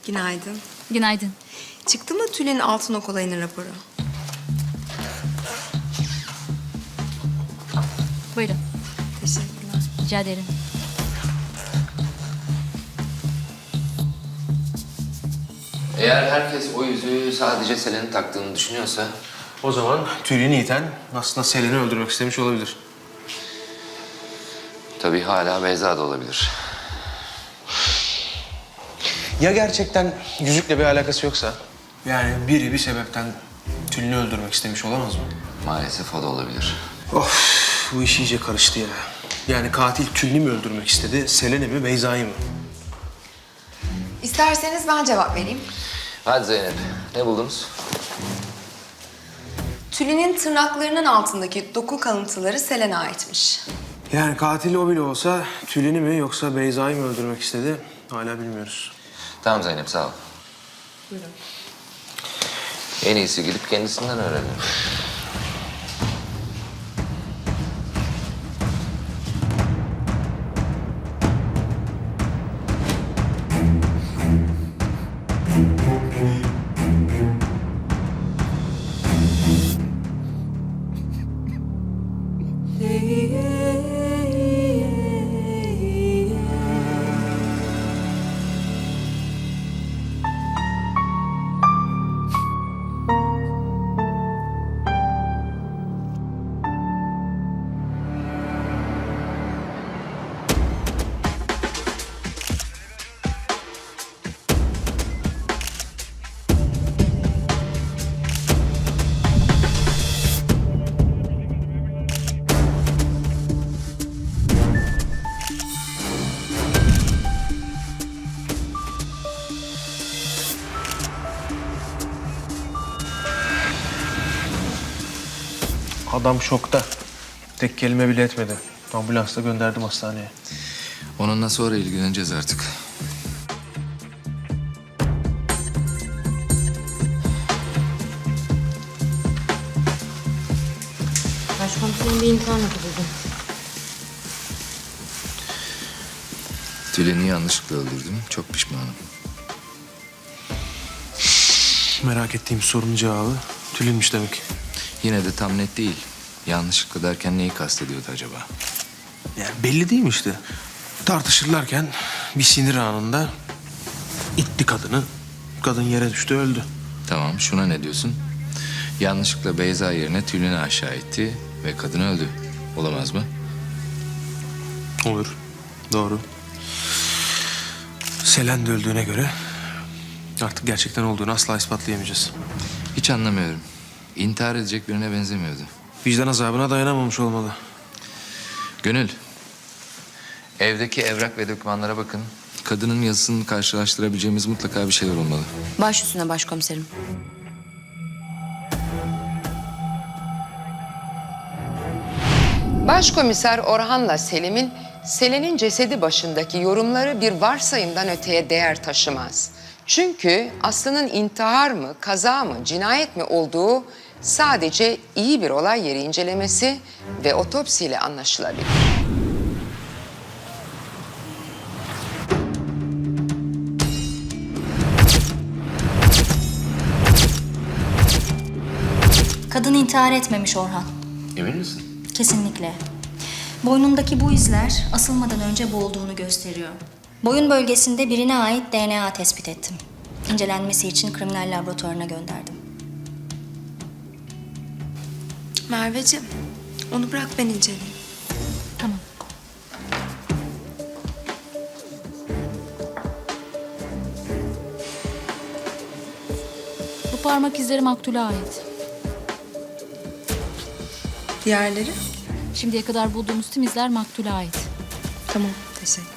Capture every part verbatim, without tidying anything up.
Günaydın. Günaydın. Çıktı mı Tülin Altınok olayının raporu? Buyurun. Teşekkürler. Rica ederim. Eğer herkes o yüzüğü sadece Selen'in taktığını düşünüyorsa... O zaman Tülin'i iten aslında Selen'i öldürmek istemiş olabilir. ...tabii hala Beyza da olabilir. Ya gerçekten yüzükle bir alakası yoksa? Yani biri bir sebepten Tülin'i öldürmek istemiş olamaz mı? Maalesef o da olabilir. Of, bu iş iyice karıştı ya. Yani katil Tülin'i mi öldürmek istedi, Selen'i mi, Beyza'yı mı? İsterseniz ben cevap vereyim. Hadi Zeynep, ne buldunuz? Tülin'in tırnaklarının altındaki doku kalıntıları Selen'e aitmiş. Yani katil o bile olsa Tülin'i mi yoksa Beyza'yı mı öldürmek istedi hala bilmiyoruz. Tamam Zeynep, sağ ol. Buyurun. En iyisi gidip kendisinden öğrenelim. Adam şokta. Tek kelime bile etmedi. Ambulansla gönderdim hastaneye. Onunla sonra ilgileneceğiz artık. Başkomiserim bir intihar notu buldum. Tülin'i yanlışlıkla öldürdüm, çok pişmanım. Merak ettiğim sorunun cevabı Tülin'miş demek. Yine de tam net değil. Yanlışlıkla derken neyi kastediyordu acaba? Yani belli değil mi işte? Tartışırlarken bir sinir anında itti kadını. Kadın yere düştü, öldü. Tamam, şuna ne diyorsun? Yanlışlıkla Beyza yerine Tülin'i aşağı itti ve kadın öldü. Olamaz mı? Olur. Doğru. Selen de öldüğüne göre artık gerçekten olduğunu asla ispatlayamayacağız. Hiç anlamıyorum. İntihar edecek birine benzemiyordu. Vicdan azabına dayanamamış olmalı. Gönül, evdeki evrak ve dokümanlara bakın. Kadının yazısını karşılaştırabileceğimiz mutlaka bir şeyler olmalı. Baş üstüne başkomiserim. Başkomiser Orhan'la Selim'in Selen'in cesedi başındaki yorumları bir varsayımdan öteye değer taşımaz. Çünkü Aslı'nın intihar mı, kaza mı, cinayet mi olduğu sadece iyi bir olay yeri incelemesi ve otopsiyle anlaşılabilir. Kadın intihar etmemiş Orhan. Emin misin? Kesinlikle. Boynundaki bu izler asılmadan önce boğulduğunu gösteriyor. Boyun bölgesinde birine ait D N A tespit ettim. İncelenmesi için kriminal laboratuvarına gönderdim. Merveciğim, onu bırak ben inceleyeyim. Tamam. Bu parmak izleri maktule ait. Diğerleri? Şimdiye kadar bulduğumuz tüm izler maktule ait. Tamam, teşekkür.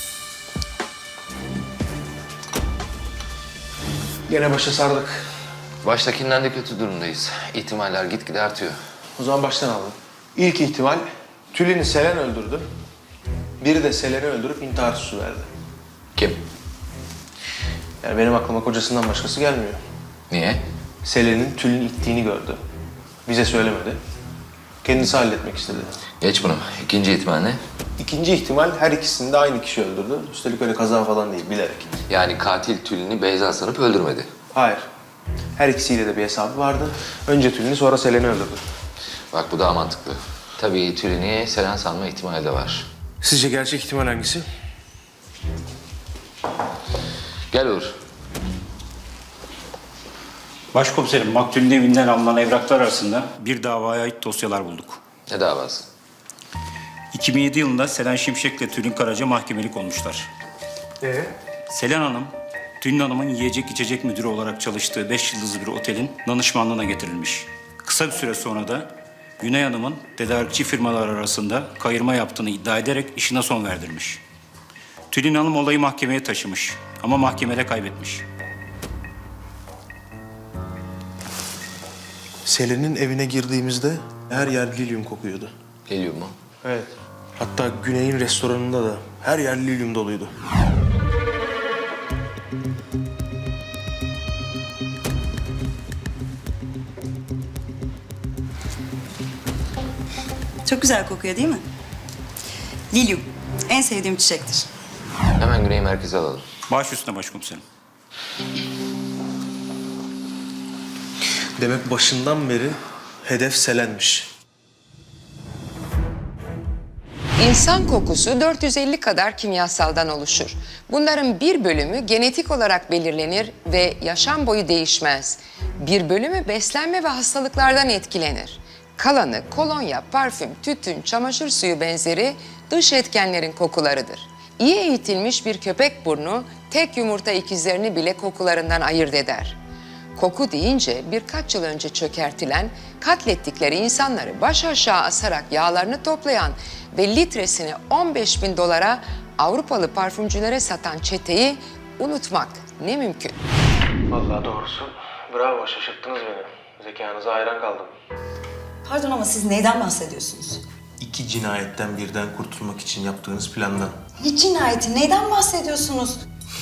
Gene başa sardık. Baştakinden de kötü durumdayız. İhtimaller gitgide artıyor. O zaman baştan alalım. İlk ihtimal Tülin'i Selen öldürdü. Biri de Selen'i öldürüp intihar süsü verdi. Kim? Yani benim aklıma kocasından başkası gelmiyor. Niye? Selen'in Tülin'i ittiğini gördü. Bize söylemedi. Kendisi halletmek istedi. Geç bunu. İkinci ihtimal ne? İkinci ihtimal her ikisini de aynı kişi öldürdü. Üstelik öyle kaza falan değil, bilerek. Yani katil Tülin'i Beyza sanıp öldürmedi. Hayır. Her ikisiyle de bir hesabı vardı. Önce Tülin'i sonra Selen'i öldürdü. Bak bu daha mantıklı. Tabii Tülin'i Selen sanma ihtimali de var. Sizce gerçek ihtimal hangisi? Gel Uğur. Başkomiserim, maktulün evinden alınan evraklar arasında bir davaya ait dosyalar bulduk. Ne davası? iki bin yedi yılında Selen Şimşek ile Tülin Karaca mahkemelik olmuşlar. Ee? Selen Hanım, Tülin Hanım'ın yiyecek içecek müdürü olarak çalıştığı beş yıldızlı bir otelin danışmanlığına getirilmiş. Kısa bir süre sonra da Güney Hanım'ın tedarikçi firmalar arasında kayırma yaptığını iddia ederek işine son verdirmiş. Tülin Hanım olayı mahkemeye taşımış ama mahkemede kaybetmiş. Selen'in evine girdiğimizde her yer lilyum kokuyordu. Geliyor mu? Evet. Hatta Güney'in restoranında da her yer lilyum doluydu. Çok güzel kokuyor değil mi? Lilyum. En sevdiğim çiçektir. Hemen Güney'i merkeze alalım. Baş üstüne başkomiserim. Demek başından beri hedef Selen'miş. İnsan kokusu dört yüz elli kadar kimyasaldan oluşur. Bunların bir bölümü genetik olarak belirlenir ve yaşam boyu değişmez. Bir bölümü beslenme ve hastalıklardan etkilenir. Kalanı kolonya, parfüm, tütün, çamaşır suyu benzeri dış etkenlerin kokularıdır. İyi eğitilmiş bir köpek burnu tek yumurta ikizlerini bile kokularından ayırt eder. Koku deyince birkaç yıl önce çökertilen, katlettikleri insanları baş aşağı asarak yağlarını toplayan ve litresini on beş bin dolara Avrupalı parfümcülere satan çeteyi unutmak ne mümkün. Vallahi doğrusu bravo, şaşırttınız beni. Zekanıza hayran kaldım. Pardon ama siz neyden bahsediyorsunuz? İki cinayetten birden kurtulmak için yaptığınız plandan. Ne cinayeti? Neyden bahsediyorsunuz?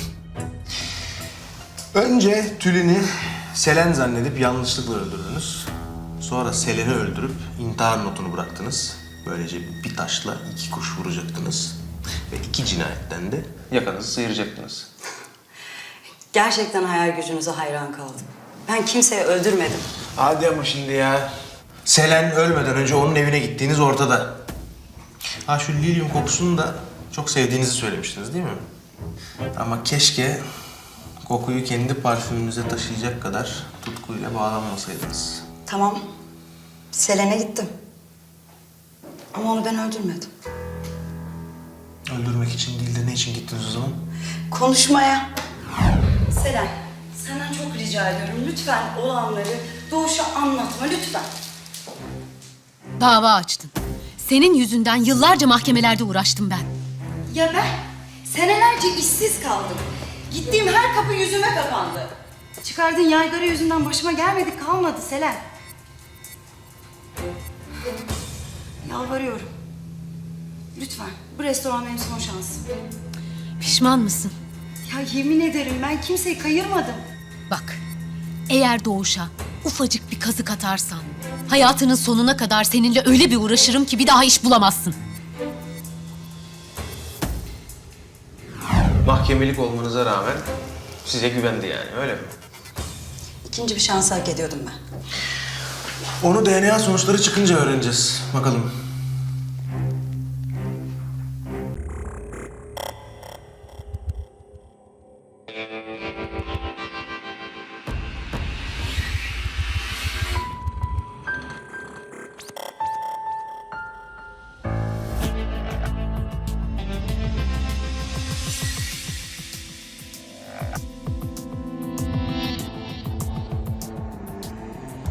Önce Tülin'i Selen zannedip yanlışlıkla öldürdünüz. Sonra Selen'i öldürüp intihar notunu bıraktınız. Böylece bir taşla iki kuş vuracaktınız. Ve iki cinayetten de yakanızı sıyıracaktınız. Gerçekten hayal gücünüze hayran kaldım. Ben kimseyi öldürmedim. Hadi ama şimdi ya. Selen ölmeden önce onun evine gittiğiniz ortada. Ha şu lilyum kokusunu da çok sevdiğinizi söylemiştiniz değil mi? Ama keşke kokuyu kendi parfümünüze taşıyacak kadar tutkuyla bağlanmasaydınız. Tamam. Selen'e gittim. Ama onu ben öldürmedim. Öldürmek için değil de ne için gittiniz o zaman? Konuşmaya. Selen, senden çok rica ediyorum. Lütfen olanları Doğuş'a anlatma lütfen. Dava açtın. Senin yüzünden yıllarca mahkemelerde uğraştım ben. Ya ben senelerce işsiz kaldım. Gittiğim her kapı yüzüme kapandı. Çıkardığın yaygara yüzünden başıma gelmedi kalmadı Selen. Yalvarıyorum. Lütfen bu restoran benim son şansım. Pişman mısın? Ya yemin ederim ben kimseyi kayırmadım. Bak, eğer Doğuş'a ufacık bir kazık atarsan... hayatının sonuna kadar seninle öyle bir uğraşırım ki bir daha iş bulamazsın. Mahkemelik olmanıza rağmen size güvendi yani, öyle mi? İkinci bir şans hak ediyordum ben. Onu D N A sonuçları çıkınca öğreneceğiz. Bakalım.